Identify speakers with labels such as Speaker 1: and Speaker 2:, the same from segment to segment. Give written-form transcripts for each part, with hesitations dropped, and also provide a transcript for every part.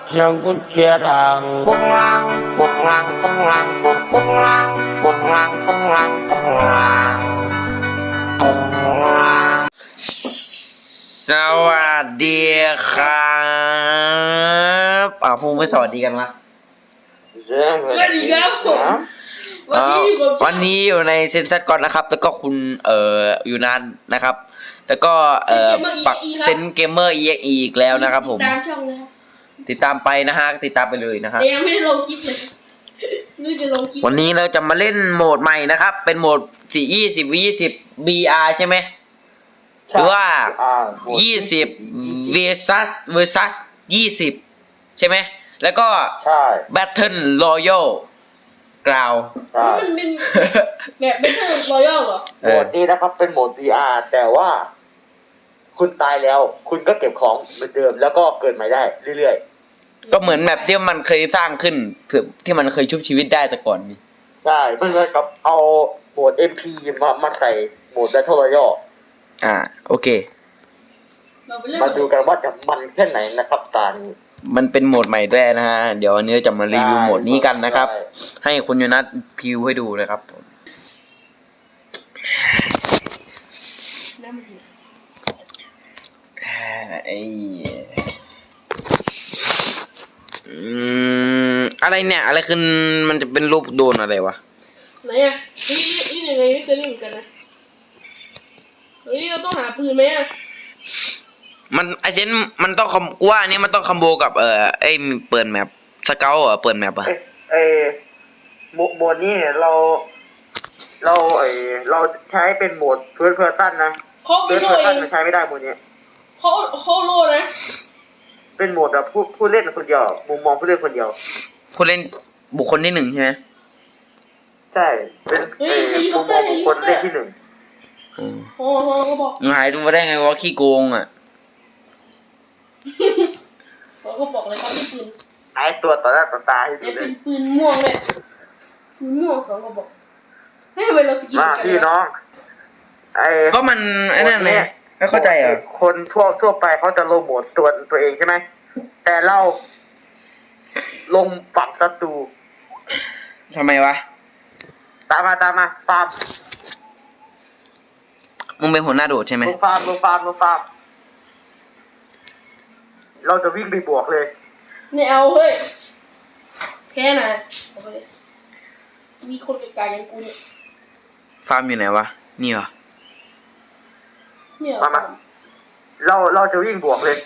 Speaker 1: เสียงกุญแจดังปุ้งลังปุ้งลังปุ้งลังปุ้งปุ้งลังปุ้งลังปุ้งลังปุ้งลังปุ้งลังสวัสดีครับพูดไม่สวัสดีกันวะ
Speaker 2: สวัสดีครับผม
Speaker 1: วันนี้อยู่ในเซนซัสก่อนนะครับแล้วก็คุณอยู่นานนะครับแล้วก็ปักเซนเกมเมอร์อีกแล้วนะครับผม
Speaker 2: ตามช่องนะครับ
Speaker 1: ติดตามไปนะฮะติดตามไปเลยนะครับ
Speaker 2: ยังไม่ได้ลงคลิปเลยนี่จะลงคลิป
Speaker 1: วันนี้เราจะมาเล่นโหมดใหม่นะครับเป็นโหมด20 BR ใช่ไหมหรือว่า20 versus 20ใช่ไหมแล้วก็ Battle Royale กล่าว
Speaker 2: มันเป็นแบบBattle Royale เหรอ
Speaker 3: โหมดนี้นะครับเป็นโหมด VR แต่ว่าคุณตายแล้วคุณก็เก็บของเหมือนเดิมแล้วก็เกิดใหม่ได้เรื่อย
Speaker 1: ๆก็เหมือนแบบที่มันเคยสร้างขึ้นที่มันเคยชุบชีวิตได้แต่ก่อนนี่
Speaker 3: ใช่มันเหมือนกับเอาโหมด MP มาใส่โหมด Battle Royale
Speaker 1: โอเค
Speaker 3: มาดูกันว่าจะมันแค่ไหนนะครับตานี้
Speaker 1: มันเป็นโหมดใหม่ด้วยนะฮะเดี๋ยววันนี้จะมารีวิวโหมดนี้กันนะครับให้คุณยูนัทพิวให้ดูนะครับอะไรเนี่ยอะไรคือมันจะเป็นรูปโดนอะไรวะ
Speaker 2: ไหนอ่ะนี่ยังไงไม่เคยเล่นเหมือนกันนะเฮ้ยเราต้องหาปืนไหมอ่ะ
Speaker 1: มันไอเซนมันต้องกูว่าอันนี้มันต้องคอมโบกับไอเปิดแมปสเกลเปิดแมป
Speaker 3: โหมดนี้เราใช้เป็นโหมดเฟิร์สเพอร์ซันนะ
Speaker 2: เฟิร์สเพอร์ซัน
Speaker 3: มันใช้ไม่ได้โหมดนี้
Speaker 2: เขาโลนะ
Speaker 3: เป็นโหมดแบบผู้เล่นคนเดียวมุมมองผู้เล่นคนเดียว
Speaker 1: ผู้เล่นบุคคลที่1ใช่ไหม
Speaker 3: ใช่เป็นมุมมองบุคคลเล่นที่1
Speaker 2: โอ้ก็บอก
Speaker 1: หายตัวได้ไงวะขี้โกง
Speaker 2: ก็บอกเลยครับปืน
Speaker 3: หายตัวต่อหน้าต่อตาให้ดู
Speaker 2: เลยเป็นปืนม่วงเลยปืนม่วง2ก็บอกให้ทำไมเราสกิน
Speaker 3: มาพี่น้อง
Speaker 1: ก็มันไอ้นั่นไงไม่เข้าใจ
Speaker 3: คนทั่วไปเขาจะลงโหมดตัวเองใช่ไหมแต่เราลงฝั่งศัตรู
Speaker 1: ทำไมวะ
Speaker 3: ตามมาฟาร์ม
Speaker 1: มึงเป็นหัวหน้าโดดใช่ไหม
Speaker 3: ลงฟาร์มเราจะวิ่งไปบวกเลย
Speaker 2: ไม่เอาเฮ้ยแค่ไหนมีคนไกลๆอย่างกูเนี่ย
Speaker 1: ฟาร์มอยู่ไหนวะนี่เหรอ
Speaker 3: มาเราจะวิ่งบวกเลย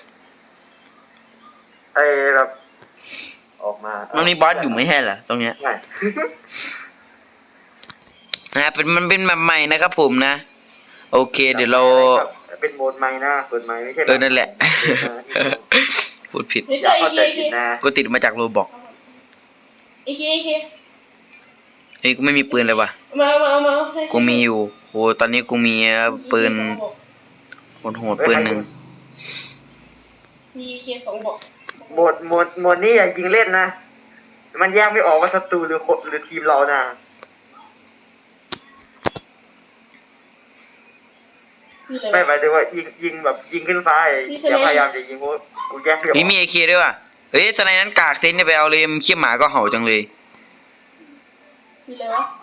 Speaker 3: แบบออกมา
Speaker 1: มันมีบอสอยู่ไม่ใช่เหรอตรงเนี้ยมันเป็นแบบใหม่นะครับผมนะโอเคเดี๋ยวเรา
Speaker 3: เป็นโหมดใหม่นะเปิดใหม่ไม่ใช่
Speaker 1: นั่นแหละพูดผิดกูติดมาจากโรบอก
Speaker 2: เฮ้
Speaker 1: ยกูไม่มีปืนเลยว่ะกูมีอยู่โหตอนนี้กูมีปืนโหดปืนหนึ่ง
Speaker 2: มีเค2บอก
Speaker 3: โหมดนี้อย่ายิงเล่นนะมันแยกไม่ออกว่าศัตรูหรือทีมเรานะไม่หมายถึงว่ายิงแบบยิงขึ้นฟ้าอย่าพยายามจะยิงกูแยกไม่ออก
Speaker 1: มีAKด้วยว่ะเฮ้ยสไนนั้นกากเซนจะไปเอาเลยขี้หมาก็เห่าจังเลย
Speaker 2: มีอะไรวะ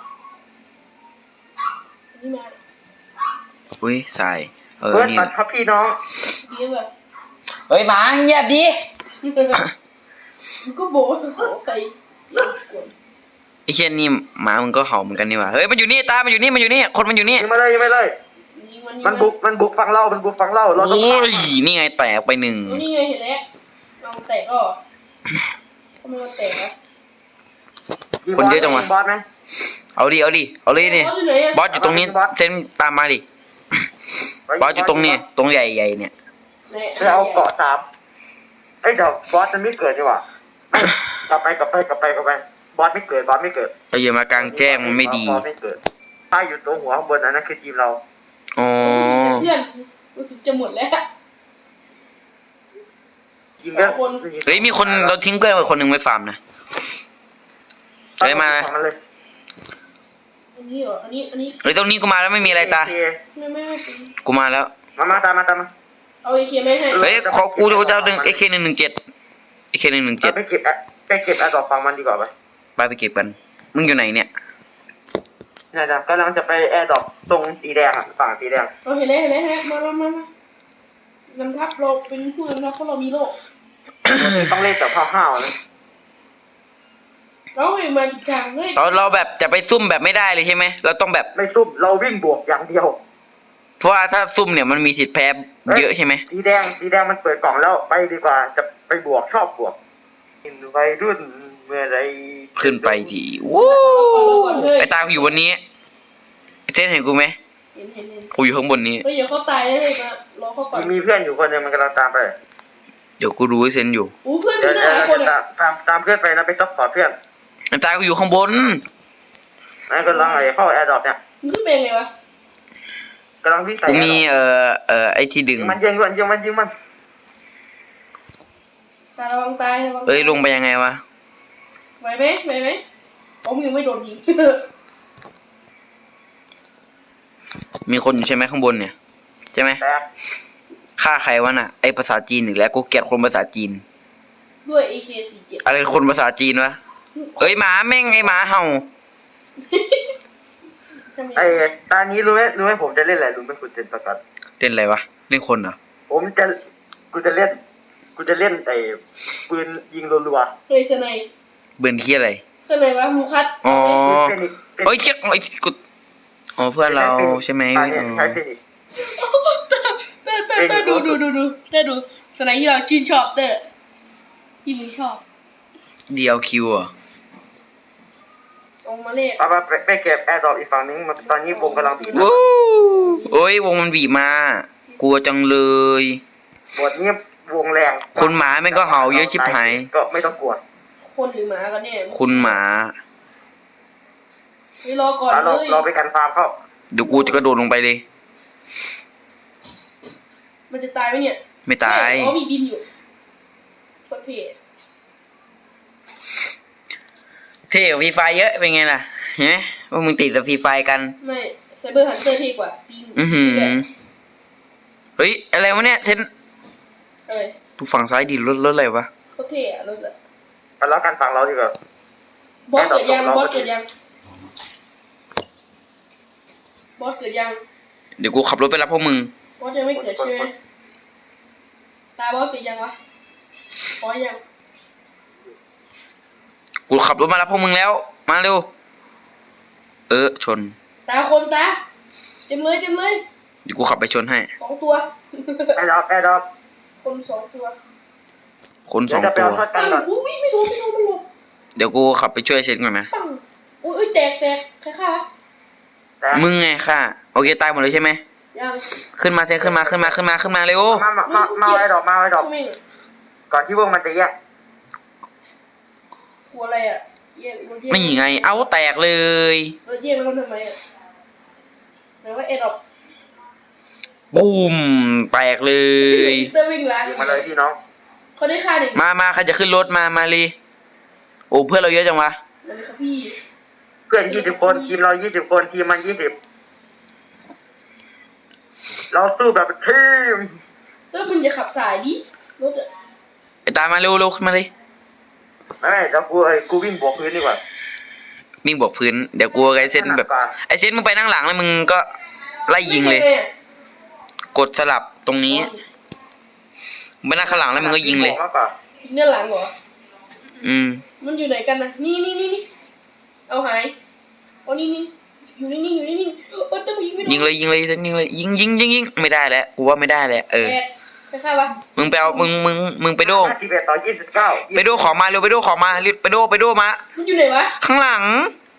Speaker 2: นี่มา
Speaker 1: อุ้ยใส่
Speaker 3: นี่ครับพี่น้อง
Speaker 1: เฮ้ยหมาเงียบดิ
Speaker 2: มึงก็บอกขอไป
Speaker 1: ไอ้เช่นนี่หมามึงก็เห่าเหมือนกันนี่ว่ะเฮ้ยมันอยู่นี่ตามันอยู่นี่คนมันอยู่นี่
Speaker 3: ยิงมาเลยมันบุกฟังเราเราต้อง
Speaker 1: โอ้ยนี่ไงแตกไป1
Speaker 2: นี่ไงเห็นแล้วลองแตกก็ทำไมมันแตกนะ
Speaker 1: คนเยอะจังวะ
Speaker 3: บอสไหม
Speaker 1: เอาดิเลยนี่บอสอยู่ตรงนี้เซนตามมาดิบอสอยู่ตรงนี้ตรงใหญ่เนี่ย
Speaker 3: ไปเอาเกาะ3เดี๋ยวบอสจะไม่เกิดดีกว่ากลับไปบอสไม่เกิด
Speaker 1: อย่ามากลางแจ้งมันไม่ดี
Speaker 3: บอสไม่เกิดถ้าอยู่ตรงหัวข้างบนนั่นคือทีมเรา
Speaker 1: อ๋อ
Speaker 2: เพื่อนรู้สึกจะหมดแล้ว
Speaker 1: เฮ้ยมีคนเราทิ้งเพื่อนไปคนหนึ่งไว้ฟาร์มนะเฮ้ยมา
Speaker 2: อันนี้เหรออันนี้
Speaker 1: เฮ้ยตรงนี้กูมาแล้วไม่มีอะไรตา
Speaker 2: ไม่
Speaker 1: กูมาแล้ว
Speaker 3: มาตามมา
Speaker 2: เอาAKไม่ให้
Speaker 1: เฮ้ยขอกูจะเอาดึงAK 117 ไอ้แค่117
Speaker 3: เราไปเก็บแอร์ดรอปฟังมันดีกว่าไหม
Speaker 1: ไปเก็บกันมึงอยู่ไหนเนี่ย
Speaker 3: เนี่ยนะกำลังจะไปแอร์ดรอปตรงสีแดงอ่ะฝั่งสีแดง
Speaker 2: เราเห็นแล้วมานำทัพเราเป็นผู้นำทัพเพราะเรามีโลก
Speaker 3: ต้องเล่นแบบห้าวๆนะ
Speaker 2: เราเองมาจริงจังเลย
Speaker 1: เราแบบจะไปซุ่มแบบไม่ได้เลยใช่ไหมเราต้องแบบ
Speaker 3: ไม่ซุ่มเราวิ่งบวกอย่างเดียว
Speaker 1: เพราะว่าถ้าซุ่มเนี่ยมันมีสิทธิ์แพ้เยอะใช่ไหม
Speaker 3: สีแดงมันเปิดกล่องแล้วไปดีกว่าจะไปบวกชอบบวกกินวัยรุ่นเมื่อไร
Speaker 1: ขึ้นไปทีวู้ไอ้ตากูอยู่บนนี้เจ๊เห็นกูไหม
Speaker 2: เห็น
Speaker 1: กูอยู่ข้างบนนี้
Speaker 2: เฮ้ยเดี๋ยวเขาตายได้เลยมารอเขาก่อน
Speaker 3: มีเพื่อนอยู่คนหนึงมันกำลังตามไป
Speaker 1: เดี๋ยวกูรู้ไอ้เซนอยู่
Speaker 2: อู้เพื่อน
Speaker 3: เดี๋
Speaker 2: มี
Speaker 3: ยว
Speaker 2: หลายคนอ่ะ
Speaker 3: ตามเพื่อนไปนะไปซัพพอร์ตเพื่อน
Speaker 1: ไอ้ตากูอยู่ข้างบน
Speaker 3: นั่นกำลังเข้าแอร์ดรอปเนี่ย
Speaker 2: มึงขึ้นเป็นไงวะ
Speaker 3: กำลังวิ่งใส่
Speaker 1: กูมีไอ้ที่ดึง
Speaker 3: มันยิงมัน
Speaker 2: ตาระวังตายระวัง
Speaker 1: เอ้ยลงไปยังไงวะ
Speaker 2: ไหวไหมอ๋อมึงยังไม่โดนยิง
Speaker 1: มีคนอยู่ใช่ไหมข้างบนเนี่ยใช่ไหม
Speaker 3: แต่
Speaker 1: ฆ่าใครวะน่ะไอ้ภาษาจีนอีกแล้วกูเกลียดคนภาษาจีน
Speaker 2: ด้วย AK47
Speaker 1: อะไรคนภาษาจีนวะเอ้ยหมาแม่งไอ้หมาเห่า
Speaker 2: ใช่ไหม
Speaker 3: ไอ้ตอนนี้รู้ไหมผมจะเล่นอะไรรู้ไหมคุณเซนสกัด
Speaker 1: เล่นอะไรวะเล่นคนเหรอ
Speaker 3: กูจะเล่นไอ้ปืนยิงรัว
Speaker 2: เฮ้ยสไน
Speaker 1: เบิร์นขี้อะไร
Speaker 2: สไนวะมูคัส
Speaker 1: อ๋อ
Speaker 3: ๆเป็นอีก
Speaker 1: เฮ้ยเชี่ยไอ้กูอ๋อเพื่อนเราใช่ไหม
Speaker 3: ใช่
Speaker 1: อ๋อ
Speaker 3: ใช่เป็นอีก
Speaker 2: เตอร์ดูสไนที่เราชื่นชอบเตอร์ที่มึงชอบ
Speaker 1: DLQ อ่ะ
Speaker 2: ลงมาเล่น
Speaker 3: เอาไปเก็บแอร์ดรอปอีกฝั่งนึงตอนนี้วงกำลังบีบ
Speaker 1: วู้โอ้ยวงมันบีบมากลัวจังเลย
Speaker 3: บทนี้วงแรง
Speaker 1: คนหมาแม่งก็เห่าเยอะชิบหาย
Speaker 3: ก็ไม่ต้องกลัว
Speaker 2: คนหรือหมากันเนี่ย
Speaker 1: คุณหมา
Speaker 2: ไม่รอก่อน
Speaker 3: เรา
Speaker 2: เลย
Speaker 3: เราไปกันฟาร์มเข้า
Speaker 1: เดี๋ยวกูจะกระโดดลงไปเลย
Speaker 2: มันจะตายไหมเนี่ย
Speaker 1: ไม่ตาย
Speaker 2: อ๋อมีบินอยู่โคตรเท่
Speaker 1: เท่กว่าฟรีไฟเยอะเป็นไงล่ะเห็นไหมว่ามึงติดกับฟรีไฟกัน
Speaker 2: ไม่ไซเบอร์ฮันเตอร์เท่กว่าปิง
Speaker 1: อือหือเฮ้ยอะไรวะเนี่ยเซน
Speaker 2: อะไร
Speaker 1: ดูฝั่งซ้ายดิรถอะไรวะ
Speaker 2: โคตรเท่อะรถอะ
Speaker 3: ไปแล้วกันฝั่งเราดีกว่า
Speaker 2: บอสเกิดยังบอสเกิดยัง
Speaker 1: เดี๋ยวกูขับรถไปรับพวกมึง
Speaker 2: บอสยังไม่เกิดใช่ไหมตาบอสเกิดยังวะบอสยัง
Speaker 1: กูขับรถมารับพวกมึงแล้ว มาเร็ว ชน
Speaker 2: ตาคนตาเต็มเลย
Speaker 1: เดี๋ยวกูขับไปชนให้
Speaker 2: 2 ตัว
Speaker 3: แอร์ดรอป
Speaker 2: คน2 ตัว
Speaker 1: คนส
Speaker 3: เดี๋
Speaker 1: อย ง
Speaker 3: วจะไป
Speaker 1: ตัว
Speaker 3: เอาช็อตกันก่อน
Speaker 2: อุ้ยไม่รู้มันหลบ
Speaker 1: เดี๋ยวกูขับไปช่วยเซนก่อนนะ
Speaker 2: ปังอุ้ยแตกใครฆ่าวะ
Speaker 3: แต่
Speaker 1: มึงไงค่ะโอเคตายหมดเลยใช่ไหม
Speaker 2: ยัง
Speaker 1: ขึ้นมาเซนขึ้นมาเร็ว
Speaker 3: มาไอ้ดอก
Speaker 2: ทำไม
Speaker 3: ก่อนที่วงมันจะแยก
Speaker 2: กลัวอะไรอ่ะเย่รถเย่
Speaker 1: นี่ไง เอาแตกเลย
Speaker 2: รถเย่แล้วทำไมอ่ะแต่ว่าเอ็ดออก
Speaker 1: บูมแตกเลย
Speaker 2: เตอร์วิ่งล้าง
Speaker 3: ยิงมาเลยพี่น้อง
Speaker 2: เขาได้ค่าหนึ่ง
Speaker 1: มาใครจะขึ้นรถมาเลยโอ้เพื่อนเราเยอะจังวะ
Speaker 2: มันเลยครับพี่
Speaker 3: เพื่อน20 คนทีมเรา20 คนทีมมัน20เราสู้แบบทีม
Speaker 2: เตอร์มึงอย่าขับสายดิรถอ่ะ
Speaker 1: ไอ้ตามมาเร็วขึ้นมาเลย
Speaker 3: ไม่เดี๋ยวกูวิ่งบวกพื้นดีกว่า
Speaker 1: วิ่งบอกพื้นเดี๋ยวกูกับไอ้เซนแบบไอ้เซนมึงไปนั่งหลังแล้วมึงก็ไล่ยิงเลย กดสลับตรงนี้ไปนั่งข้างหลังแล้วมึงก็ยิงเลย
Speaker 3: มากกว่า
Speaker 2: ยิงด้านหลังเหรอ มันอยู่ไหนกันนะนี่เอาหายเอานี่อยู่นิ่งโอ้ยเตอร์กูยิงไม่โดน
Speaker 1: ยิงเลยเซนยิงเลยยิงไม่ได้แล้วกูว่าไม่ได้แล้ว
Speaker 2: แตกใครฆ่าวะ
Speaker 1: มึงไปเอามึงไปโด
Speaker 3: 51 ต่อ 29
Speaker 1: ไปโดของมาเร็วไปโดของมารีบไปโดมา
Speaker 2: มันอยู่ไหนวะ
Speaker 1: ข้างหลัง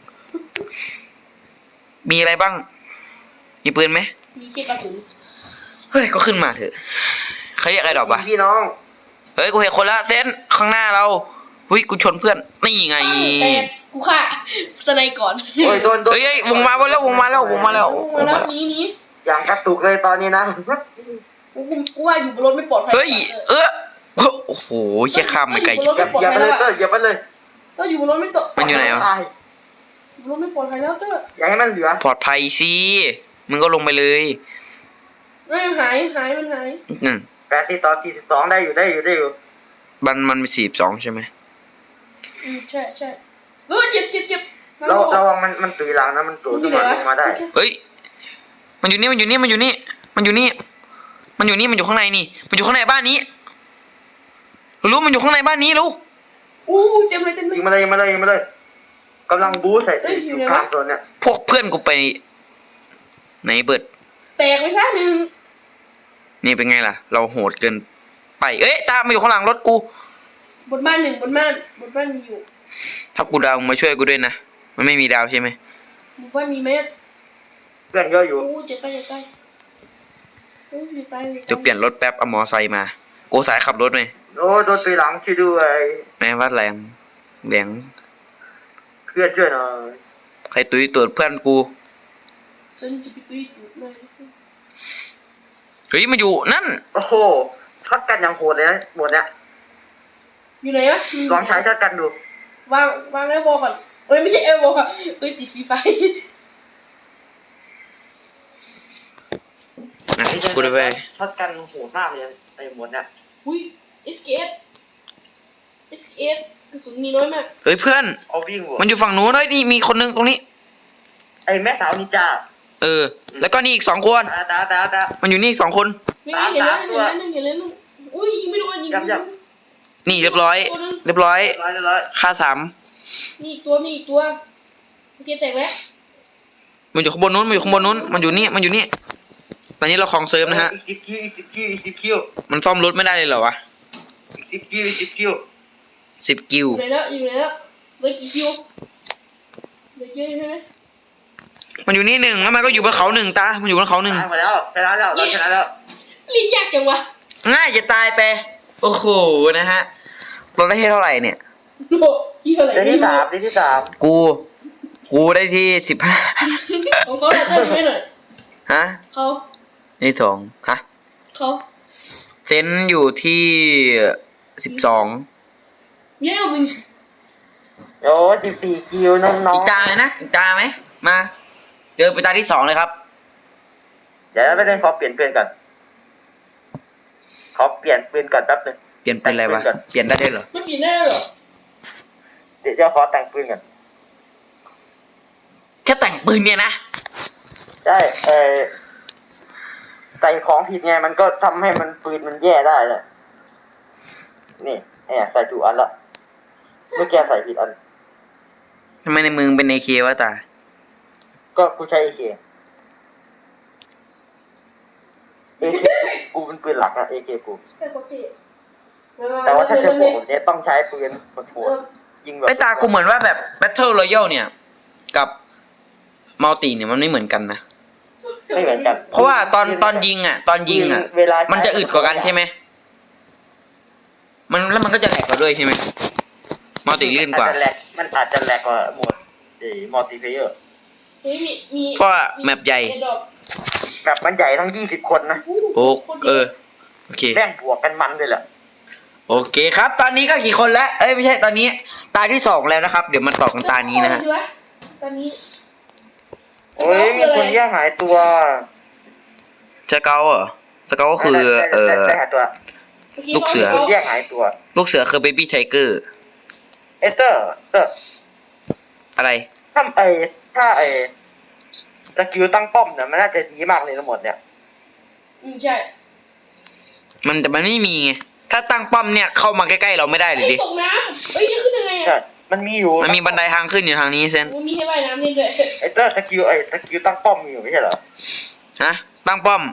Speaker 1: มีอะไรบ้าง มีปืนไหม
Speaker 2: มีแค่กระสุน
Speaker 1: เฮ้ยก็ขึ้นมาเถอะใครเรียกไอ้ดอกวะ
Speaker 3: พี่น้อง
Speaker 1: เฮ้ยกูเห็นคนละเซนข้างหน้าเราเฮ้ยกูชนเพื่อนนี่ไง
Speaker 2: แตกกูฆ่าสไนก่อน
Speaker 3: โอ้ยโดน
Speaker 1: เฮ้ยวงมาแล้ว
Speaker 2: มาแล้วนี้
Speaker 3: อย่างกระตุกเลยตอนนี้นะ
Speaker 2: กูว่าอยู่บนรถไม่ปลอดภัย
Speaker 1: เฮ้ยโอ้โหเชี่ยข้ามไปไกลชิบ
Speaker 3: อย่าไปเลยเตอร์อย่าไปเลย
Speaker 2: ก็อยู่บนรถไม่ตก
Speaker 1: มันอยู่ไหนวะ
Speaker 2: อยู่บนรถไม่ปลอดภัยแล้วเตอร์
Speaker 3: อย่าให้มันเหลือ
Speaker 1: ปลอดภัยสิมึงก็ลงไปเลย
Speaker 2: ไม่หายมันหาย
Speaker 1: อืม
Speaker 3: 80 ต่อ 42ได้อยู่
Speaker 1: มันมี42ใช่ไหม
Speaker 2: ใช่ใช่เจ็บ
Speaker 3: ระวังมันตุยหลังนะมันตุยขึ้นมาลงมาได้
Speaker 1: เฮ้ยมันอยู่นี่มันอยู่ข้างในนี่มันอยู่ข้างในบ้านนี้รู้มันอยู่ข้างในบ้านนี้รู้
Speaker 2: อู้เต็มเลย
Speaker 3: ยิงมาเลยกำลังบู๊ใส่อยู่กลางตัวเนี่ย
Speaker 1: พวกเพื่อนกูไปไหนเบิด
Speaker 2: แตกไปซะหนึ่ง
Speaker 1: นี่เป็นไงล่ะ เราโหดเกินไปเอ้ยตามมาอยู่ข้างหลังรถกู
Speaker 2: บนบ้านมีอยู่
Speaker 1: ถ้ากูดาวมึงมาช่วยกูด้วยนะมันไม่มีดาวใช่ไหม
Speaker 2: บนบ้านมีไหม
Speaker 3: เพื่อนเยอะอยู่
Speaker 2: อู้จะตายจะตาย
Speaker 1: จะเปลี่ยนรถแป๊บเอามอไซค์มากูสายขับรถไหม
Speaker 3: โอ้โดนตุยหลังช่วยด้วย
Speaker 1: แม่ว่าแรง
Speaker 3: เพื่อนช่วยหน่อย
Speaker 1: ใครตุ้ยตัวเพื่อนกู
Speaker 2: ฉันจะไปตุยตูดเลย
Speaker 1: เฮ้ยมันอยู่นั่น
Speaker 3: โอ้โหช็อตกันอย่างโหดเลยนะหมดเนี่ย
Speaker 2: อยู่ไหนวะ
Speaker 3: ลองใช้ช็อตกันดู
Speaker 2: วางไอ้บอลก่อนเอ้ยไม่ใช่ไอ้บอลค่ะตุยติดฟรีไฟ
Speaker 1: นะกูได้ไป
Speaker 3: ช็อตกันโหดมากเลยไอ้หมดเนี่ย
Speaker 2: อุ้ย SKS กระสุนมีน้อยมาก
Speaker 1: เฮ้ยเพื่อน
Speaker 3: เอาวิ่งหัว
Speaker 1: มันอยู่ฝั่งนู้นเลยนี่มีคนนึงตรงนี้
Speaker 3: ไอ้แม่สาวนินจา
Speaker 1: แล้วก็นี่อีก2 คน
Speaker 3: ตา
Speaker 1: มันอยู่นี่อีก2 คน
Speaker 2: นี่เห็นแล้วอุ้ยยิงไม่โดนยิง
Speaker 1: นี่เรียบร้อย
Speaker 3: ร้อย
Speaker 1: ค่า3
Speaker 2: มีอีกตัวโอเคแตกแล้ว
Speaker 1: มันอยู่ข้างบนนู้นมันอยู่นี่ตอนนี้เราคลองเซิร์ฟนะฮะ
Speaker 3: อีก10 คิว
Speaker 1: มันซ่อมรถไม่ได้เลยเหรอวะ
Speaker 3: อีก10 คิว
Speaker 1: 10 กิว
Speaker 2: อยู่ไหนแล้วเลยกี่คิวเลยเยอะใช่ไหม
Speaker 1: มันอยู่นี่1แล้วมันก็อยู่บนเขา1ตามันอยู่บนเขา1
Speaker 3: ตายหมดแล้วชนะแล้วเราชนะแล้ว
Speaker 2: ลิ้นยากจังวะ
Speaker 1: ง่ายจะตายไปโอ้โหนะฮะเราได้ที่เท่าไหร่เนี่ย
Speaker 2: โลกี่เท่าไหร่
Speaker 3: เดือนที่สาม
Speaker 1: กูได้ที่15
Speaker 2: ของเขาเราเติมให้หน่อย
Speaker 1: ฮะ
Speaker 2: เขา
Speaker 1: นี่2ฮะ
Speaker 2: เขา
Speaker 1: เซนอยู่ที่12
Speaker 2: เยอะมึง
Speaker 3: โอ้14 คิวน้อง
Speaker 1: อีกตาไหมนะอีกตาไหมมาเจอไปตาที่2เลยครับ
Speaker 3: ๆเดี๋ยวไม่ได้ขอเปลี่ยนเพื่อนก่อนขอเปลี่ยนปืนก่อนแป๊บนึง
Speaker 1: เปลี่ยนเป็นอะไรวะเปลี่ยนได้ด้วยเหรอ
Speaker 2: มันเปลี่ยนได้แล้วเหรอ
Speaker 3: เดี๋ยวขอแต่งปืนก่อน
Speaker 1: แค่แต่งปืนเนี่ยนะ
Speaker 3: ใช่ใส่ของผิดไงมันก็ทำให้มันปืนมันแย่ได้เลยนี่ใส่ถูกอันละเมื่อกี้ใส่ผิดอัน
Speaker 1: ทำไมในมือเป็นAKวะตา
Speaker 3: ก็กูใช้AK กูเป็นปืนหลักนะ AK กู
Speaker 2: แค่โคตรเท่
Speaker 3: แต่ว่าถ้าเจอพวกผมเนี่ยต้องใช้ปืนโหดๆยิงแบบ
Speaker 1: ไอ้ตากูเหมือนว่าแบบ Battle Royale เนี่ย กับมัลติเนี่ยมันไม่เหมือนกันนะ
Speaker 3: ไม่เหมือนกัน
Speaker 1: เพราะว่าตอนยิงอ่ะ
Speaker 3: เวลา
Speaker 1: มันจะอึดกว่ากันใช่ไหมแล้วมันก็จะแหลกกว่าด้วยใช่ไหมมัลติลื่นกว่า
Speaker 3: มันอาจจะแหลกกว่าโหมดมัลติเพลเยอร์
Speaker 2: เฮ้ยมี
Speaker 1: เพราะว่าแมปใหญ่
Speaker 3: แบบมันใหญ่ทั้ง20 คนนะ
Speaker 1: โอ้โอเค
Speaker 3: แม่งบวกกันมันเลยแหละ
Speaker 1: โอเคครับ ตอนนี้ก็กี่คนแล้ว เอ้ยไม่ใช่ตอนนี้ ตาที่2แล้วนะครับ เดี๋ยวมาต่อกันตานี้นะฮะ
Speaker 2: ตอนนี้
Speaker 3: โอ้ยมีคนแย่หายตัว
Speaker 1: สเกลเหรอสเกลก็คือ
Speaker 3: ได้หายตัว
Speaker 1: ลูกเสือ
Speaker 3: คนแย่หายตัว
Speaker 1: ลูกเสือคือเบบี้ไทเกอร์
Speaker 3: เตอร์
Speaker 1: อะไร
Speaker 3: ถ้าสกิลตั้งป้อมเนี่ยมันน่าจะดีมากเลยทั้งหมดเนี่ย
Speaker 2: ใช่
Speaker 1: แต่มันไม่มีไง ถ้าตั้งป้อมเนี่ยเข้ามาใกล้ๆเราไม่ได้เลยดิ
Speaker 2: ตกน้ำนี่ขึ้นยังไง
Speaker 3: ใช่มันมีอยู่
Speaker 1: มันมีบันไดทางขึ้นอยู่ทางนี้เซน
Speaker 2: มันมีให้ว่ายน้ำนี่ด้วย
Speaker 3: เตอร์สกิลตั้งป้อมมีอยู่ไม่ใช่เหรอ
Speaker 1: ฮะ ตั้งป้อม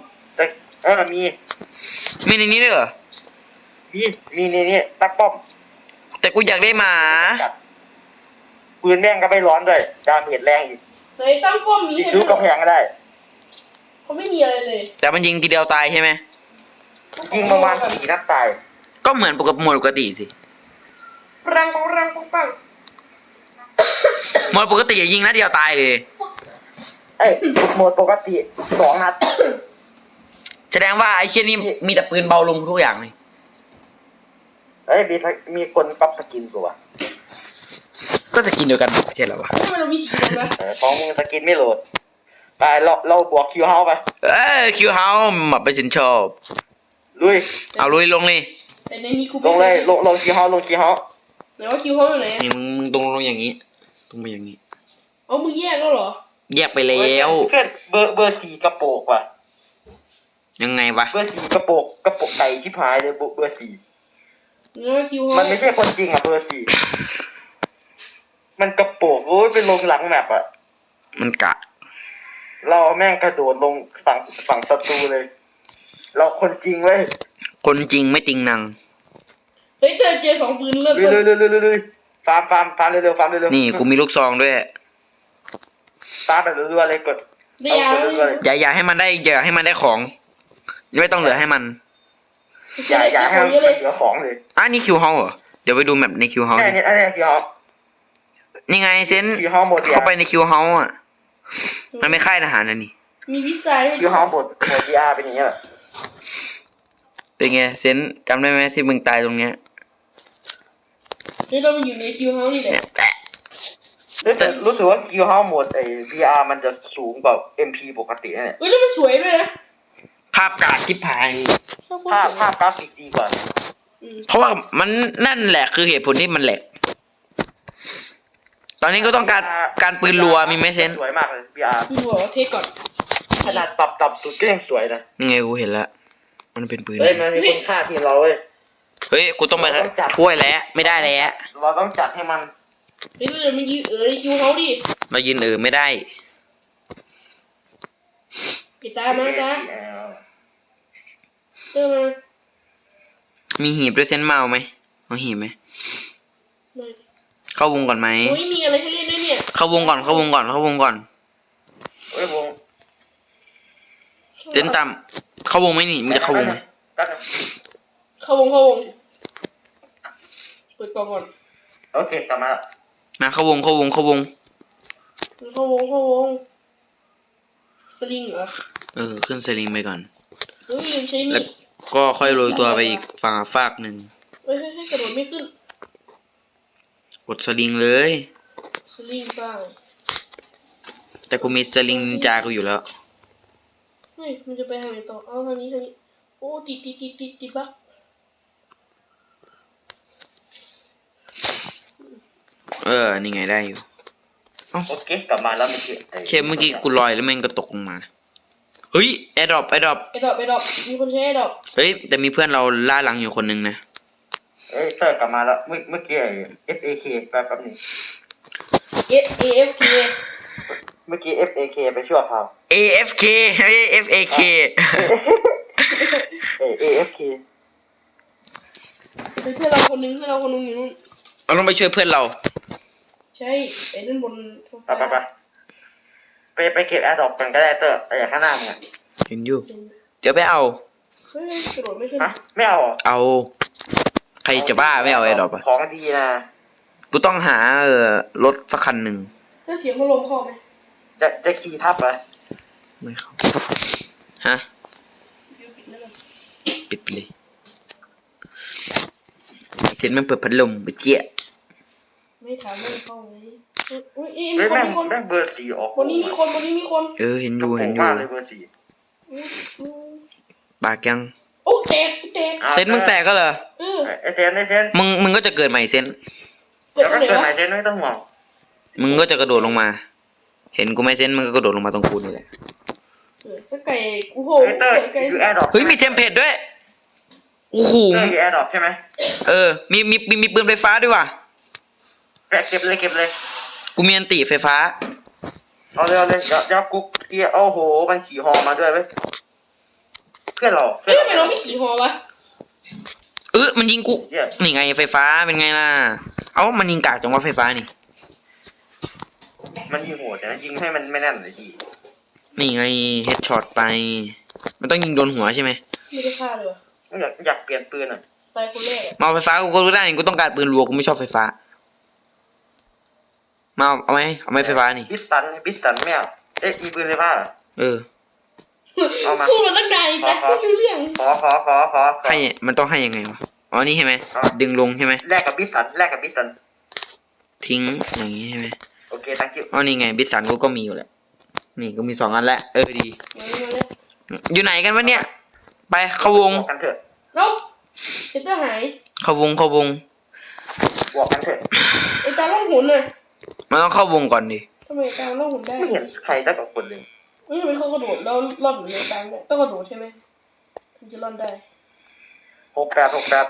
Speaker 3: มี
Speaker 1: ในนี้ด้วยเหรอ
Speaker 3: มีนี่ตั้งป้อม
Speaker 1: แต่กูอยากได้หมา
Speaker 3: ปืนแม่งก็ไม่ร้อนด้วยดาเมจแรงอีก
Speaker 2: ไหนตั้งป้อมนี้
Speaker 3: ซื้อกระแพงก็ได้
Speaker 2: เขาไม่มีอะไรเลย
Speaker 1: แต่มันยิงทีเดียวตายใช่ไหม
Speaker 3: ยิงประมาณ4 นัดตาย
Speaker 1: ก็เหมือนปกติสิ
Speaker 2: ปัง
Speaker 1: หมดปกติอย่ายิงนัดเดียวตายเลย
Speaker 3: โหมดปกติ2 นัด
Speaker 1: แสดงว่าไอ้เชี่ยนี่มีแต่ปืนเบาลงทุกอย่างเลย
Speaker 3: มีคนปรับสกินกูว่ะ
Speaker 1: ก็จะกินเดียวกันไม่ใช่เหรอวะ
Speaker 2: ทำไมเรามีสีดำวะ
Speaker 3: ของมึงสกินไม่โหลดไปเราบวกคิวเฮาไป
Speaker 1: คิวเฮาหมับไปสินชอบ
Speaker 3: ลุย
Speaker 1: เอาลุยลงเลย
Speaker 2: แต่ในนี้กู
Speaker 3: ลงเลยลงคีย์เฮาลงคีย์เฮา
Speaker 2: ไหนว่าคิวเขาอยู่ไหน
Speaker 1: นี่มึงตรงลงอย่างนี้ตรงไปอย่างนี้
Speaker 2: เอามึงแยกแล้วเหรอ
Speaker 1: แยกไปแล้ว
Speaker 3: เพื่อนเบอร์4กระโปกว่ะ
Speaker 1: ยังไงวะ
Speaker 3: เบอร์4กระโปกไก่ชิบหายเลยเบอร์4
Speaker 2: แล้วว่าคิวเขา
Speaker 3: มันไม่ใช่คนจริงอ่ะเบอร์4มันกระโปกโอ้ยเป็นลงหลังแมปอ่ะ
Speaker 1: มันกะ
Speaker 3: เราแม่งกระโดดลงฝั่งศัตรูเลย เราคนจริงเว้ย
Speaker 1: คนจริงไม่จริงนัง
Speaker 2: เฮ้ยเจอ2 ปืนเริ่ม
Speaker 3: เร็
Speaker 2: ต้
Speaker 3: วน ฟาร์มเร็วฟาร์มเร็ว
Speaker 1: นี่กูมีลูกซองด้วย
Speaker 3: ฟาร์มแบบรัวๆเลยกด
Speaker 2: ได้ยาแล้ว
Speaker 3: รัวๆเลย
Speaker 1: อย่าให้มันได้ของไม่ต้องเหลือให้มัน
Speaker 3: อย่าให้มันเหลือของเลย
Speaker 1: นี่คิวเฮาเหรอเดี๋ยวไปดูแมปในคิวเฮา
Speaker 3: แค่นี้อันนี้คีย์เฮา
Speaker 1: นี่ไงเซน
Speaker 3: คีย์เฮาหมด
Speaker 1: เข้าไปในคิวเฮาอ่ะมันไม่ค่ายทหารนะนี่
Speaker 2: มีวิสัยให้
Speaker 3: คีย์เฮาหมดVR เป็นอย่างเงี้ย
Speaker 1: เป็นไงเซนจำได้ไหมที่มึงตายตรงเนี้ย
Speaker 2: เฮ้ยเรามาอยู่ในคิวเฮานี่แหละ
Speaker 3: แต่รู้สึกว่าคีย์เฮาหมดVR มันจะสูงกว่า MP ปกติเนี่ย
Speaker 2: เฮ้ยแล้วมันสวยด้วยนะ
Speaker 1: ภาพกาดทิพาย
Speaker 3: ภาพกราฟิกดีกว่า
Speaker 1: เพราะว่ามันนั่นแหละคือเหตุผลที่มันแหลกตอนนี้ก็ต้องการปืนรัวมีไหมเซน
Speaker 3: สวยมากเลย VR
Speaker 2: กูบอกว่าเทก่อน
Speaker 3: ขนาดปรับต่ำสุดก็ยังสวยนะ
Speaker 1: ยังไงกูเห็นแล้วมันเป็นปืน
Speaker 3: เฮ้ยมันมีคุณค่าทีมเราเว้ย
Speaker 1: เฮ้ยกูต้องไปช่วยแล้วไม่ได้แล้ว
Speaker 3: เราต้องจัดให้มัน
Speaker 2: เฮ้ยเรามายืนในคิวเฮาดิ
Speaker 1: เรายืนไม่ได้
Speaker 2: ไอ้ตามาตาเจอมา
Speaker 1: มีหีบด้วยเซนเมาไหมเอาหีบไหมเข้าวงก่อนไหม
Speaker 2: โอ้ยมีอะไรให้เล่นด้วยเนี่ย
Speaker 1: เข้าวงก่อนเข้าวงก่อน
Speaker 3: เฮ้ยวง
Speaker 1: เซนตามเข้าวงไหมนี่มึงจะเข้าวงไหม
Speaker 2: เข้าวงเปิดกล่องก่อน
Speaker 3: โอเคกลับมาแล้ว
Speaker 1: มาเข้าวง
Speaker 2: สลิงเหรอ
Speaker 1: ขึ้นสลิงไปก่อน
Speaker 2: เฮ้ยยังใช้มี
Speaker 1: แล้ว
Speaker 2: ด
Speaker 1: ก็ค่อยโรยตัวไปอีกฝั่งฝากหนึ่ง
Speaker 2: เฮ้ยกระโดดไม่ขึ้น
Speaker 1: กดสลิงเลย
Speaker 2: สลิงบ้าง
Speaker 1: แต่กูมีสลิงนินจากูอยู่แล้ว
Speaker 2: เฮ้ยมันจะไปทางไหนต่อเอาทางนี้โอ้ติดบัก
Speaker 1: นี่ไงได้อยู่
Speaker 3: โอเคกลับมาแล้วไม่
Speaker 1: เคเมื่อกี้กูลอยแล้วแม่งก็ตกลงมาเฮ้ยแอร์ดรอป
Speaker 2: ไอ้ดอกมีคนใช้ไอ้ดอก
Speaker 1: เฮ้ยแต่มีเพื่อนเราล่าหลังอยู่คนนึงนะ
Speaker 3: เอ้ยเตอร์กลับมาแล้วเมื่อกี้FAK แป๊บนึง
Speaker 2: AFK
Speaker 3: เมื่อกี้ FAK ไปชั่วคราว
Speaker 1: AFK ไม่ใช่ FAK
Speaker 3: AFK
Speaker 2: เป็นเพื่อนเราคนนึงอยู่นู่น
Speaker 1: เราต้องไปช่วยเพื่อนเรา
Speaker 2: ใช่ไอ้นั่นบน
Speaker 3: ไปเก็บแอร์ดรอปกันก็ได้เตอร์ไอ้ข้างหน้ามึง
Speaker 1: เห็นอยู่เดี๋ยวไปเอา
Speaker 2: เฮ้ยกระโดดไม่ขึ้น
Speaker 3: ฮะไม่เอา
Speaker 1: เอาใครจะบ้าไม่เอาแอร์ดรอปอ่ะ
Speaker 3: ของดีนะ
Speaker 1: กูต้องหารถสักคันหนึ่ง
Speaker 2: ถ้าเสียงพัดลมเข้าไหม
Speaker 3: จะขี่ทับเหรอ
Speaker 1: ไม่เข้าฮะ
Speaker 2: เดี๋ยวปิดแล้วกัน
Speaker 1: ปิดไปเลยเห็นมันเปิดพัดลมไปเจี๊ย
Speaker 2: ไม่ถามไม่เข้าไหมอุ้ยมี
Speaker 3: เฮ้ย
Speaker 2: คน
Speaker 3: แม่งเบอร์4ออก
Speaker 2: บนนี้มีคน
Speaker 1: เห็นอยู่
Speaker 3: มากเลยเบอร์4
Speaker 1: ปากยัง
Speaker 2: โอ้แตก
Speaker 1: เซนมึงแตกก็เหรอ
Speaker 3: ไอ้เซน
Speaker 1: มึงก็จะเกิดใหม่เซน
Speaker 2: เกิด
Speaker 3: แล้ว
Speaker 2: ตร
Speaker 3: ก็
Speaker 2: งไหน
Speaker 3: เกิดใหม่เซ
Speaker 2: วะ
Speaker 3: นไม่ต้องห่วง
Speaker 1: มึงก็จะกระโดดลงมา เห็นกูไหมเซนมึงก็กระโดดลงมาตรงกูนี่แหละ
Speaker 2: สักไก่กูโห
Speaker 3: เตอร์
Speaker 2: ไก่
Speaker 3: อยู่แอร์ดรอป
Speaker 1: เฮ้ยมีเทมเพลตด้วยโอ้โห
Speaker 3: อยู่แอร์ดรอปใช่ไหม
Speaker 1: มีปืนไฟฟ้าด้วยว่ะ
Speaker 3: เก็บเลย
Speaker 1: กูมีอันติไฟฟ้า
Speaker 3: เอาเลยเดี๋ยวกุ๊กเกียร์โอ้โหมันขี่ฮอมาด้วยเว้ยเพื่อนเรา
Speaker 2: เฮ้ยทำไมเราไม่ขี่ฮอวะ
Speaker 1: มันยิงกูนี่ไงไฟฟ้าเป็นไงล่ะมันยิงกากจังว่าไฟฟ้านี่
Speaker 3: มันยิงโหดแต่ยิงให้มันไม่แน่นเลยที
Speaker 1: นี่ไงเฮดช็อตไป มันต้องยิงโดนหัวใช่ไหม
Speaker 2: ไม่ได้ฆ่าเลยวะ
Speaker 3: อยากเปลี่ยนปืนอ่ะ
Speaker 2: ตายคนแรกอะ
Speaker 1: มาเอาไฟฟ้ากูก็รู้ได้กูต้องการปืนรัวกูไม่ชอบไฟฟ้ามาเอาไหมไฟฟ้านี่
Speaker 3: บิสตันไม่เอามีปืนเลยป่ะ เอามา
Speaker 2: พูดมาตั้งนานแต่ไม่รู้เรื่อง
Speaker 3: ขอ
Speaker 1: ให้มันต้องให้ยังไงวะนี่ใช่ไหมดึงลงใช่ไหม
Speaker 3: แลกกับบิสตัน
Speaker 1: ทิ้งอย่างนี้ใช่ไหม
Speaker 3: โอเค thank you
Speaker 1: นี่ไงบิสสันกูก็มีอยู่แหละนี่กูมี2 อันแล้วดี
Speaker 2: มาเลย
Speaker 1: อยู่ไหนกันวะเนี่ยไปเข้าวง
Speaker 3: กันเถอะ
Speaker 2: น้องไอ้เตอร์หาย
Speaker 1: เข้าวงเข้าวง
Speaker 3: บอกกันเถอะ
Speaker 2: ไอ้ตาล่องหุนน่ะ
Speaker 1: มันต้องเข้าวงก่อนดิ
Speaker 2: ทำไมตาล่องหุนได้
Speaker 3: ไม่เห็นใครได้กับคนเลย
Speaker 2: ไม่ทำไมเขากระโดดแล้วรอดอยู่ในตาเนี่ยต้องกระโดดใช่ไหมถึงจะรอดได้
Speaker 3: 68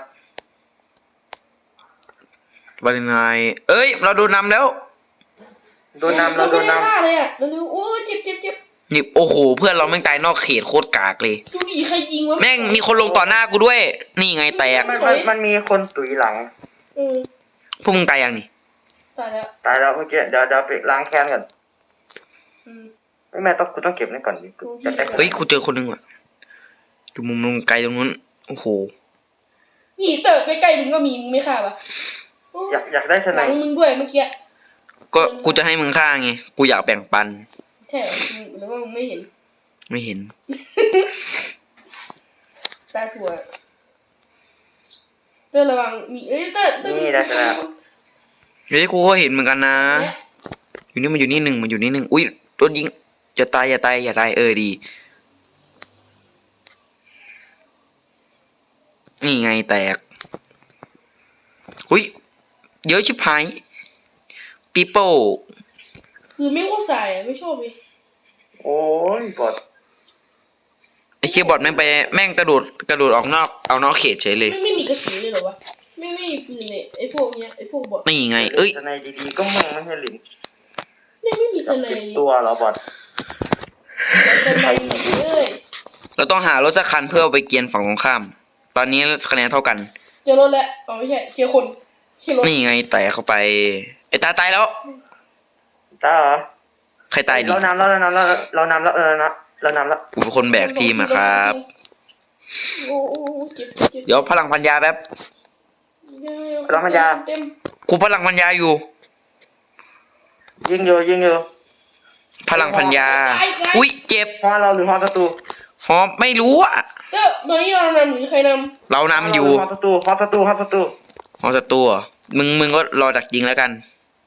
Speaker 1: วันยังไงเอ้ยเราโดนนำแล้ว
Speaker 3: โดนนำเราโดน
Speaker 2: ไม่ได้
Speaker 3: นำ
Speaker 2: ฆ่าเลยอ่ะเร็วๆโอ้ยเจ็บ
Speaker 1: นี่โอ้โหเพื่อนเราแม่งตายนอกเขตโคตรกากเลย
Speaker 2: จูดีใครยิงวะ
Speaker 1: แม่งมีคนลงต่อหน้ากูด้วย นี่ไงแตก
Speaker 3: มันมีคนตุ๋ยหลัง
Speaker 2: เออ
Speaker 1: พวกมึงตายยังนี่
Speaker 2: ตายแล้ว
Speaker 3: ตายแล้วเมื่อกี้เดี๋ยวไปล้างแค้นก่อน
Speaker 2: อืม
Speaker 3: ไม่แม่ต้องกูต้องเก็บนี่ก่อนดิกูจะได้
Speaker 1: เฮ้ยกูเจอคนหนึงว่ะอยู่มุมตรงไกลตรงนู้นโอ้โห
Speaker 2: นี่เตอร์ใกล้ๆมึงก็มีมึงไม่ฆ่าปะโ
Speaker 3: อยากได้ส
Speaker 2: ห
Speaker 3: ไน
Speaker 2: ลัง
Speaker 3: ป์
Speaker 2: มึงด้วยเมื่อกี้
Speaker 1: ก็กูจะให้มึงฆ่าไงกูอยากแบ่งปัน
Speaker 2: ใช่เหรอมึงหรือว่ามึงไม่เห็น
Speaker 1: ไม่เห็น
Speaker 2: ตาถั่วเตอร์ระวังมีเอ้ยเตอร์
Speaker 3: นี่ได้ชนะ
Speaker 1: เฮ้ยกูก็เห็นเหมือนกันนะ อยู่นี่มันอยู่นี่หนึ่งมันอยู่นี่หนึ่งอุ้ยโดนยิงอย่าตายอย่าตายอย่าตายดีนี่ไงแตกอุ้ยเยอะชิบหายปีโป้
Speaker 2: คือไม่เข้าใส่อะไม่ชอบเลย
Speaker 3: โอ้ยบอด
Speaker 1: ไอ้เคียบอดแม่งไปแม่งกระโดดออกนอกเขตเฉยเลย
Speaker 2: ไม่มีกระสุนเลยเหรอวะไม่มีปืนเลยไอ้พวกเนี้ยไอ้พวกบอท
Speaker 1: นี่ไงเอ้ย
Speaker 3: สไนป์ดีๆก็มึงไม่ใช่หลิน
Speaker 2: ไม่มีส
Speaker 3: จับ
Speaker 2: ไน
Speaker 3: ผิด
Speaker 2: เลย
Speaker 3: ตัวเหรอบอด
Speaker 2: สไนเลย
Speaker 1: เราต้องหารถสักคันเพื่อเอาไปเกียนฝั่งตรงข้าม ตอนนี้คะแนนเท่ากัน
Speaker 2: เจอรถแล้วอ๋อไม่ใช่เจอคนเจอรถ
Speaker 1: นี่ไงแตกเข้าไปไอ้ตาตายแล้ว
Speaker 3: ตาเหรอ
Speaker 1: ใครตายดิ
Speaker 3: เรานำแล้วเรานำแล้ว
Speaker 1: กูเป็นคนแบกทีมอะครับ
Speaker 2: โอ้เจ็บ
Speaker 1: เดี๋ยวพลังพันยาแป๊บ
Speaker 2: เต็ม
Speaker 1: กูพลังพันยาอยู่
Speaker 3: ยิงอยู่
Speaker 1: พลังพันยา อุ้ยเจ็บ
Speaker 3: ฮอเราหรือฮอศัตรู
Speaker 1: หอมไม่รู้อะ
Speaker 2: ก็ตอนนี้เรานำหรือใครน
Speaker 1: เรานำอยู่
Speaker 3: ฮอศัตรู
Speaker 1: หอศัตรูเหรอมึงก็รอดักยิงแล้วกัน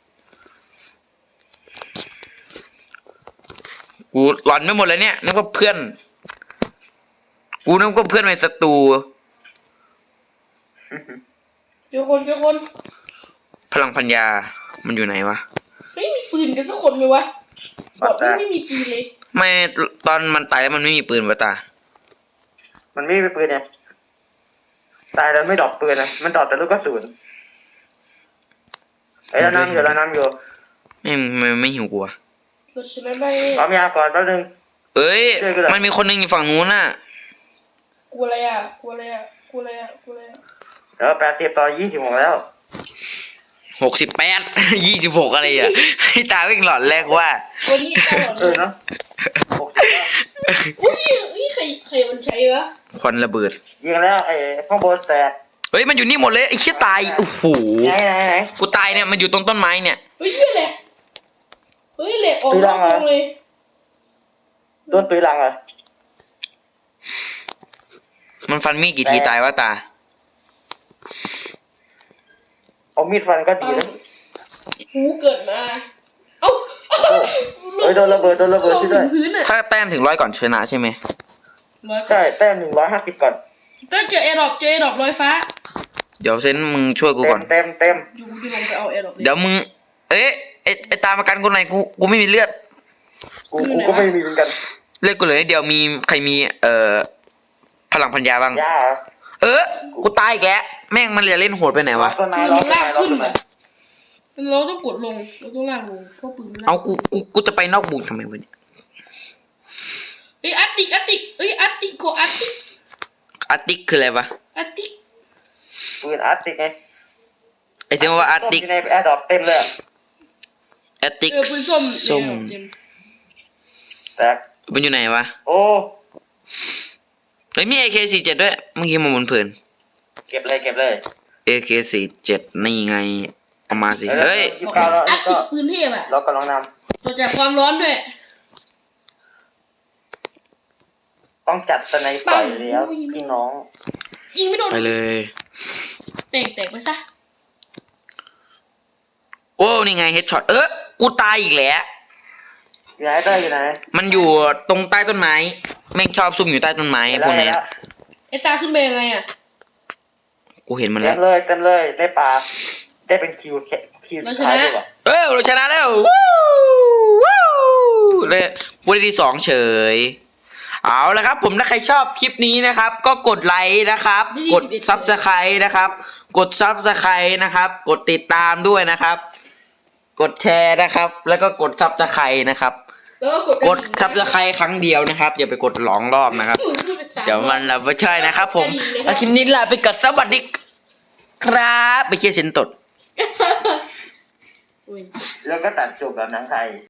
Speaker 1: กูหลอนไม่หมดเลยเนี่ยนึกว่าเพื่อน กูนึกว่าเพื่อนเป็นศัตรู
Speaker 2: ำเจอคน
Speaker 1: พลังพันยา มันอยู่ไหนวะ
Speaker 2: ไม่มีปืนกันสักคนไหมวะบอทไม่มีปืนเลย
Speaker 1: ไม่ตอนมันตายแล้วมันไม่มีปืนวะตา
Speaker 3: มันไม่มีปืนเนี่ยตายแล้วไม่ดรอปปืนนะมันดรอปแต่ลูกกระสุนเรานำอยู่
Speaker 1: ไม่หิวกูอะ
Speaker 2: เราชนะได้
Speaker 3: พร้อมยาก่อนแป๊บนึง
Speaker 1: เอ้ย
Speaker 3: ช่วยกูหน่อย
Speaker 1: มันมีคนหนึงอยู่ฝั่งนู้นน่ะ
Speaker 2: กลัวอะไรอ่ะ
Speaker 3: เดี๋ยว80-26แล้ว
Speaker 1: 68 26อะไรอ่ะ ให้ตาวิ่งหลอนแรกว่า
Speaker 2: วันนี้ตลอดเลย
Speaker 3: เนาะ
Speaker 2: อุ้ยใครมันใช้วะ
Speaker 1: ควันระเบิด
Speaker 3: ยิงแล้วไอ้ข้างบนแตก
Speaker 1: เฮ้ยมันอยู่นี่หมดเลยไอ้เชี่ยตายโอ้โห
Speaker 3: ไหน
Speaker 1: กูตายเนี่ยมันอยู่ตรงต้นไม้เนี่ย
Speaker 2: เฮ้ยเชี่ยแหละเฮ้ยแหละออกนอกวงเลย
Speaker 3: โดนตุยหลังเหรอ
Speaker 1: มันฟันมีดกี่ทีตายวะตา
Speaker 3: เอามีดฟันก็ดีนะ
Speaker 2: หูเกิดมา เอ้า
Speaker 3: เฮ้ยโดนระเบิดที่ด้วย
Speaker 2: พื้นอ่ะ
Speaker 1: ถ้าแต้มถึง100ก่อนชนะใช่ไหม
Speaker 3: ใช่แต้ม150ก่อน
Speaker 2: ก็เจอแอร์ดรอปลอยฟ้า
Speaker 1: เดี๋ยวเซนมึงช่วยกูก่อน
Speaker 3: เต็ม
Speaker 2: อยู่จะลงไปเอาแอร์ดรอปเลย
Speaker 1: เดี๋ยวมึง เอ๊ะไอ้ตามมากันกูหน่อยกูไม่มีเลือด
Speaker 3: กูก็ไม่มีเหมือนกัน
Speaker 1: เลือดกูเหลือนิดเดียวมีใครมีพลังพันยาบ้าง
Speaker 3: ยาเหรอ
Speaker 1: กูตายแกแล้วแม่งมันเล่นโหดไปไหนวะ
Speaker 3: ต้นไม้
Speaker 2: ปืน
Speaker 3: ล้อ
Speaker 2: มัน
Speaker 3: ต้น
Speaker 2: ลาก
Speaker 3: ไม้ล้อ
Speaker 2: ขึ้น
Speaker 3: ต้นไม้
Speaker 2: อ่ะเราต้องกดลงเราต้องลากลงเพราะปืนมันลาก
Speaker 1: เอากูจะไปนอกบุงทำไมวะเนี่ย
Speaker 2: เฮ้ยอัตติเอ้ยอัตติโกอัตติ
Speaker 1: อาร์ติกคืออะไรวะ
Speaker 2: อัตติ
Speaker 3: ปืนอาร์ติกไง
Speaker 1: ไอ้เสียงว่าอาร์ติก
Speaker 3: ในแอร์ดรอปเต็มเลย
Speaker 1: อาร์ติก
Speaker 2: ปืนส้ม
Speaker 1: ส้ม
Speaker 2: เต็ม
Speaker 3: แตก
Speaker 1: มันอยู่ไหนวะ
Speaker 3: โอ้
Speaker 1: เฮ้ยมี AK47 ด้วยเมื่อกี้มาบนพื้น
Speaker 3: เก็บเลย
Speaker 1: AK47 นี่ไงเอามาสิเฮ้ย
Speaker 3: ยี่สิบเก้าแล้ว
Speaker 2: อัต
Speaker 3: ก็
Speaker 2: ติปืนเทพอ่ะ
Speaker 3: เรากำลังน
Speaker 2: ต่อจากความร้อนด้วย
Speaker 3: ำต้องจัดสไนเปอร์แล้วพี่น้อง
Speaker 2: ยิงไม่โดน
Speaker 1: ไปเลย
Speaker 2: แตกไปซะ
Speaker 1: โอ้นี่ไงเฮดช็อตกูตายอีกแล้ว
Speaker 3: อยู่ไหนเต้ยอยู่ไหน
Speaker 1: มันอยู่ตรงใต้ต้นไม้แม่งชอบซุ่มอยู่ใต้ต้นไม้พวกเนี้ย
Speaker 2: ไอ้ตาขึ้นไปยังไงอ่ะ
Speaker 1: กูเห็นมัน
Speaker 3: เต็
Speaker 1: แล้ว
Speaker 3: มเลยได้ปลาได้เป็นคิวสุดท้ายด้วยว่ะ
Speaker 1: เราชนะแล้ววู้วู้เลยวันที่สองเฉยเอาละครับ ผมถ้าใครชอบคลิปนี้นะครับ ก็กดไลค์นะครับ กดซับสไครต์นะครับ กดซับสไครต์นะครับ กดติดตามด้วยนะครับ กดแชร์นะครับ แล้วก็กดซับสไครต์นะครับ
Speaker 2: แล้วก็
Speaker 1: กดซับสไครต์ครั้งเดียวนะครับอย่าไปกดหลองรอบนะครับ เดี๋ยวมันเราไม่ใช่นะครับ ผมแล้วคลิปนี้ลาไปกับสวัสดีครับไปเชียร์เซนตด
Speaker 2: อุ้ย
Speaker 3: แล้วก็ตัดจบแบบหนังไทย